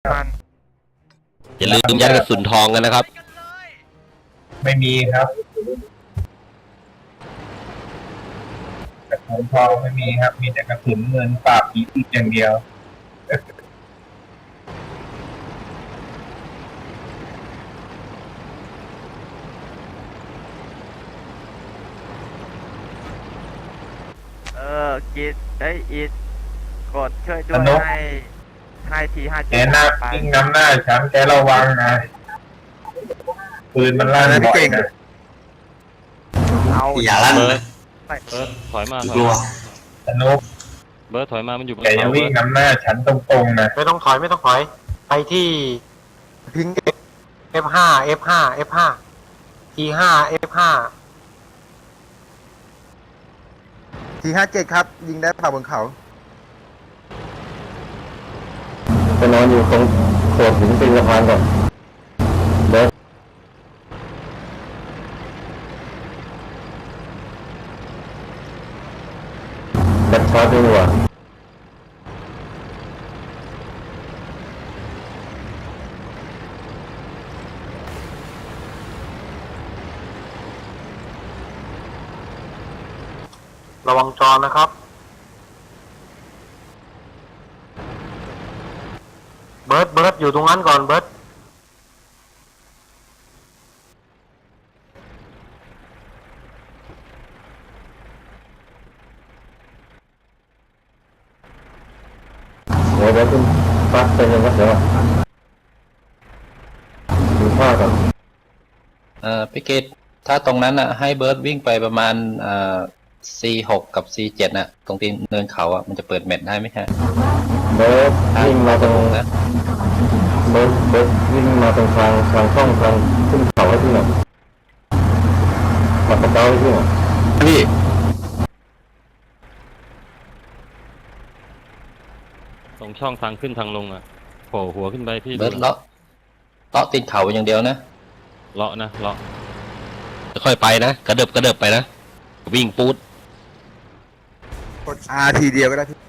มันอย่าลืมยัดกระสุนทองกันนะครับไม่มีครับกระสุนทองไม่มีครับมีแต่กระสุนเงินปราบผีอีกอย่างเดียวกิดอิดกดช่วยด้วยให้ที5 แกหน้าปิ้งน้ำหน้าฉันแกระวังนะปืนมันลั่นบ่อยนะอย่าลั่นเลยถอยมากลัวสนุกเบิร์ดถอยมามันอยู่บนแกจะวิ่งน้ำหน้าฉันตรงๆนะไม่ต้องถอยไปที่พิง F5 T5 F5 T57 ครับยิงได้ผ่าบนเขาไปนอนอยู่ตรงโขดหินตีนสะพานก่อนเบิร์ดจัดช็อตดีกว่าระวังจอนะครับเบิร์ดอยู่ตรงนั้นก่อนเบิร์ดเดี๋ยวขึ้นปักไปยังไงเดี๋ยวดูผ้าก่อนพี่เกตถ้าตรงนั้นอ่ะให้เบิร์ดวิ่งไปประมาณC6 กับ C7 น่ะตรงที่เนินเขาอ่ะมันจะเปิดเม็ดได้ไหมฮะเบิร์ดวิ่งมาตรงนะเบิร์ดวิ่งมาตรงทางช่องทางขึ้นเขาให้ที่หน่อยปัดกระเป๋าให้ที่หน่อยพี่ตรงช่องทางขึ้นทางลงอ่ะโผล่หัวขึ้นไปพี่เบิร์ดเลาะตีนเขาอย่างเดียวนะเลาะค่อยไปนะกระเดิบไปนะวิ่งปูดกด R ทีเดียวก็ได้พี่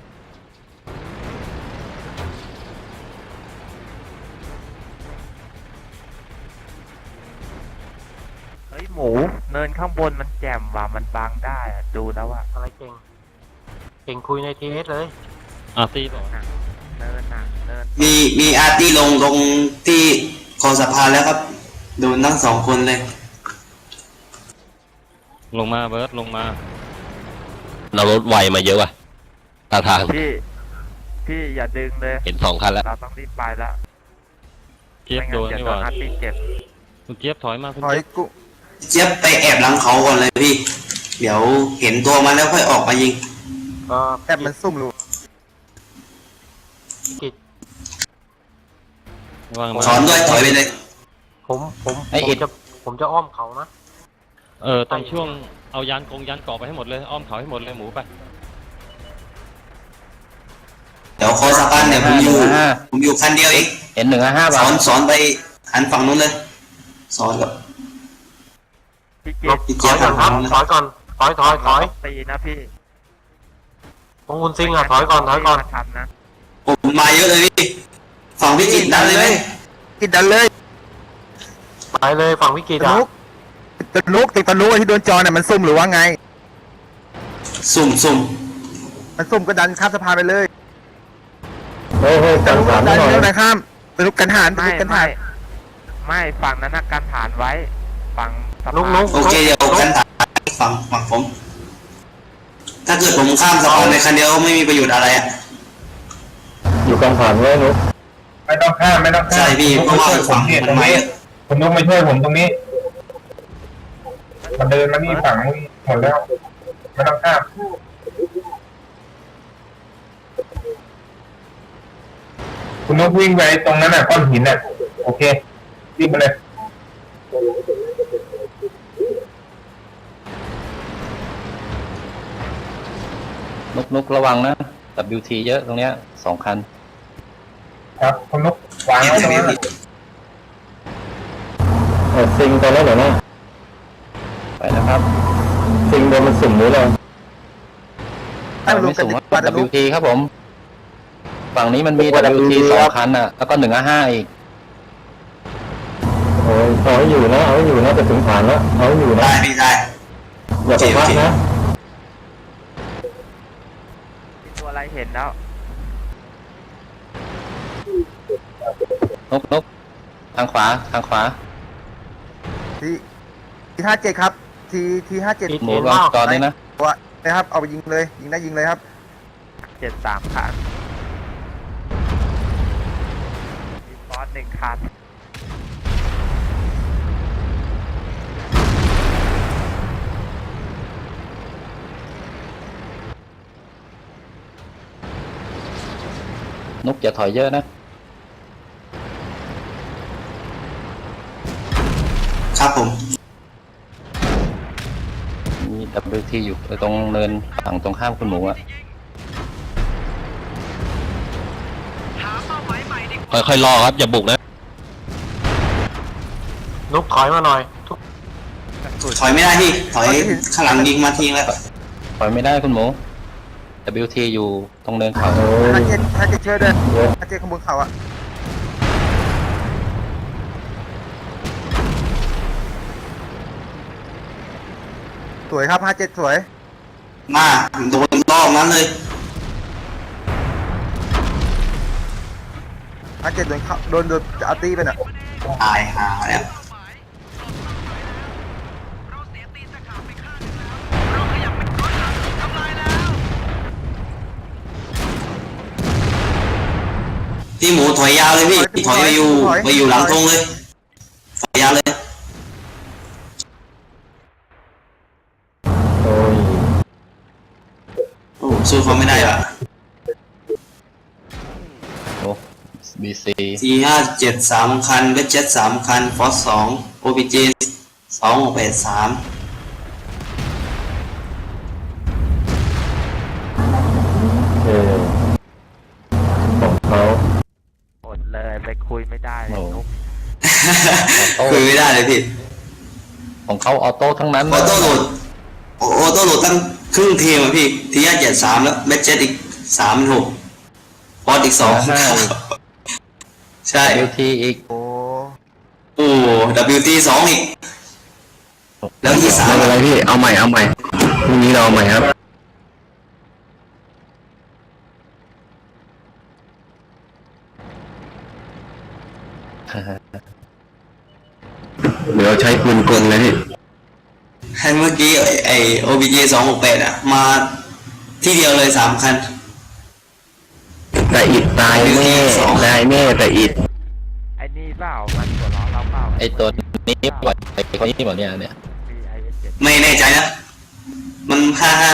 หมูเนินข้างบนมันแจ่มว่ะมันบังได้ดูแล้วว่าอะไรเก่งคุยในทีเอสเลยตีบอกเนินมีอาร์ตี้ลงที่คอสะพานแล้วครับโดนทั้ง2 คนเลยลงมาเบิร์ดลงมาเรารถไวมาเยอะว่ะตาทางพี่อย่าดึงเลยเห็น2 คันแล้วเราต้องรีบไปแล้วเจี๊ยบโดนนี่หว่าเจ็บคุณเจี๊ยบถอยมาถอยกูเจี๊ยบไปแอบหลังเขาก่อนเลยพี่เดี๋ยวเห็นตัวมันแล้วค่อยออกมายิงแอบมันซุ่มรู้สอนด้วยถอยไปเลยผมจะอ้อมเขานะตอนช่วงเอายานเกาะไปให้หมดเลยอ้อมเขาให้หมดเลยหมูไปเดี๋ยวคอสะพานเนี่ยผมอยู่คันเดียวเองเห็น155บาทสอนไปหันฝั่งนู้นเลยสอนกับพี่เจี๊ยบครับถอยก่อนถอยตีนะพี่ของคุณซิงถอยก่อนทำนะผมมาเยอะเลยพี่ฝั่งวิกฤตดันเลยไหมกินดันเลยไปเลยฝั่งวิกฤตติดนุกที่โดนจอเนี่ยมันซุ่มหรือว่าไงซุ่มมันซุ่มก็ดันข้ามสะพานไปเลยเฮ้ยกันฐานดันหน่อยนะข้ามติดนุกกันฐานไม่ฝั่งนั้นนะกันฐานไว้ฝั่งสะพานโอเคเดี๋ยวกันฐานฝั่งผมถ้าเกิดผมข้ามสะพานในคันเดียวไม่มีประโยชน์อะไรอ่ะอยู่กลางผ่านไว้นุ๊กไม่ต้องข้ามใช่พี่เพราะว่าฝั่งมันไม่คุณนุ๊กมาช่วยผมตรงนี้มันเดินมานี่ฝั่งหมดแล้วไม่ต้องข้ามคุณนุ๊กวิ่งไปตรงนั้นน่ะก้อนหินน่ะโอเควิ่งไปเลยนุกระวังนะ WT เยอะตรงเนี้ย2 คันครับคุณนุ๊กวางไว้ตรงนั้นซิงตอนนั้นเหรอนะไปนะครับซิงโดนมันสุ่มหรืออะไรไม่สุ่มว่า WT ครับผมฝั่งนี้มันมี WT 2 คันอ่ะ แล้วก็155อีกโอ้ยเอาให้อยู่นะเอาให้อยู่นะจะถึงฐานแล้วเอาให้อยู่นะได้พี่ได้อย่าไปพักนะมีตัวอะไรเห็นแล้วนกทางขวาที57ครับที57 หมูวางจอดนี่นะตัวนะครับเอาไปยิงเลยยิงได้ยิงเลยครับ 73 คันมีฟอส1 คันนกอย่าถอยเยอะนะครับผมมี WT อยู่ตรงเนินฝั่งตรงข้ามคุณหมูอ่ะค่อยๆรอครับอย่าบุกนะนุกถอยมาหน่อยถอยไม่ได้พี่ถอยข้างหลังยิงมาทิ้งแล้วถอยไม่ได้คุณหมู WT อยู่ตรงเนินเขาโอ้ย 57ช่วยด้วย57ข้างบนเขาอะสวยครับ57สวยมาโดนรอบนั้นเลย 57โดนจะเอาตีไปน่ะตายหาแล้วพี่หมูถอยยาวเลยพี่ถอยไปอยู่หลังธงเลยถอยยาวเลยโอ้ยโอ้สู้เขาไม่ได้ว่ะโอ้ BC T57 3 คันเวทเจ็ต3 คันฟอส2 OPG 2683 เออของเขาอดเลยไปคุยไม่ได้เลยนุกคุยไม่ได้เลยพี่ของเขาออโต้ทั้งนั้นออโต้โหลดออโต้โหลดตั้งครึ่งทีมอะพี่T57 3แล้วเวทเจ็ตอีก36ฟอสอีก2ใช่ WT อีกโอ้โอ้ WT 2อีกแล้วที่ไม่เป็นไรพี่เอาใหม่พรุ่งนี้เราเอาใหม่ครับเดี๋ยวใช้ปืนกลเลยพี่ให้เมื่อกี้ไอ้ OBG 268อ่ะมาที่เดียวเลย3 คันแต่อิดตายแน่แต่อิดไอ้นี่เปล่ามันหัวเราะเราเปล่าไอตัวนี้ปล่อยไอคนนี้หมดเนี่ย BIS7 ไม่แน่ใจนะ มัน